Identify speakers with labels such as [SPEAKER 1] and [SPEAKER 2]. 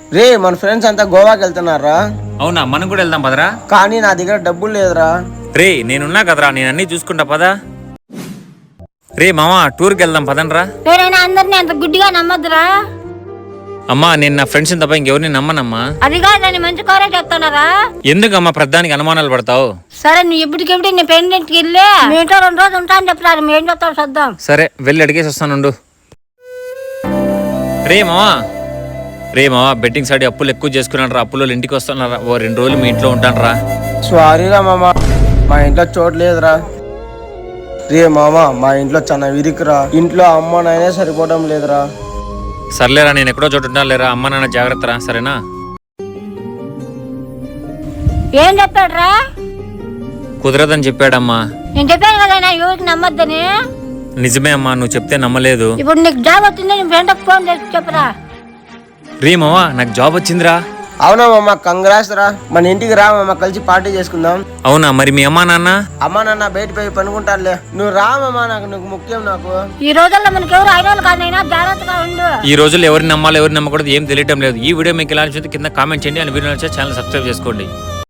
[SPEAKER 1] రే మన ఫ్రెండ్స్ అంతా గోవాకి వెళ్తున్నారా?
[SPEAKER 2] అవునా, మనం కూడా వెళ్దాం పదరా.
[SPEAKER 1] కానీ నా దగ్గర డబ్బులు లేదురా.
[SPEAKER 2] రే నేనున్నా కదరా, నేను అన్ని చూసుకుంటా పదా. రే మామా, టూర్కి వెళ్దాం పదనరా.
[SPEAKER 3] అందరినీ అంత గుడ్డిగా నమ్మద్దురా.
[SPEAKER 2] అమ్మా, నేను నా ఫ్రెండ్స్ తప్ప ఇంకెవరిని నమ్మనమ్మా.
[SPEAKER 3] అది కాదని మంచి కోరే చెప్తున్నారా?
[SPEAKER 2] ఎందుకమ్మా ప్రధానికి అనుమానాలు పడతావు?
[SPEAKER 3] సరే, నువ్వు ఇప్పటికిప్పుడు నీ పెయింటింగ్కి వెళ్ళి మీతో 2 రోజులు ఉంటా అని చెప్తారు. మేము ఏం చెప్తాం చూద్దాం.
[SPEAKER 2] సరే, వెళ్ళి అడిగేసి వస్తానుండు. రే మావా, బెట్టింగ్ సైడ్ అప్పులు ఎక్కువ చేసుకున్నాడు రా. అప్పులు ఇంటికి వస్తున్నారా. ఓ 2 రోజులు మీ ఇంట్లో ఉంటాను రా.
[SPEAKER 1] సారీరా మామ, మా ఇంట్లో చోటు లేదురా. రే మామ, మా ఇంట్లో చాలా విరికురా. ఇంట్లో అమ్మ నాయనే సరిపోవడం లేదురా.
[SPEAKER 2] సర్లేరా, నేను ఎక్కడో చోటు ఉంటాను లేరా. అమ్మ నాన్న జాగ్రత్త రా, సరేనా?
[SPEAKER 3] ఏం చెప్పాడురా?
[SPEAKER 2] కుదరదని చెప్పాడమ్మా.
[SPEAKER 3] నేను చెప్పాను కదా ఎవరికి నమ్మద్దని.
[SPEAKER 2] నిజమే అమ్మా, నువ్వు చెప్తే నమ్మలేదు.
[SPEAKER 3] ఇప్పుడు నీకు జాబ్ వచ్చింది, నీ ఫ్రెండ్కి ఫోన్ చేసి చెప్పరా.
[SPEAKER 2] రే మావా, నాకు జాబ్ వచ్చిందిరా.
[SPEAKER 1] అవునా మామ, కంగ్రాట్స్ రా. మన ఇంటికి రా మామ, కలిసి పార్టీ చేసుకుందాం.
[SPEAKER 2] అవునా, మరి మీ అమ్మా నాన్న?
[SPEAKER 1] అమ్మా నాన్న బయట పోయి పనుకుంటారులే. నువ్వు రా మామ, నువ్వు ముఖ్యం నాకు.
[SPEAKER 3] ఈ రోజుల్లో మనకి ఎవరు ఐడియాలు కాదైనా జాగ్రత్తగా ఉండు.
[SPEAKER 2] ఈ రోజుల్లో ఎవరిని నమ్మాలో ఎవరిని నమ్మకూడదు ఏం తెలియటం లేదు. ఈ వీడియో మీకు ఎలా అనిపిస్తుంది కింద కామెంట్ చేయండి. అండ్ వీడియో నచ్చితే ఛానల్ సబ్స్క్రైబ్ చేసుకోండి.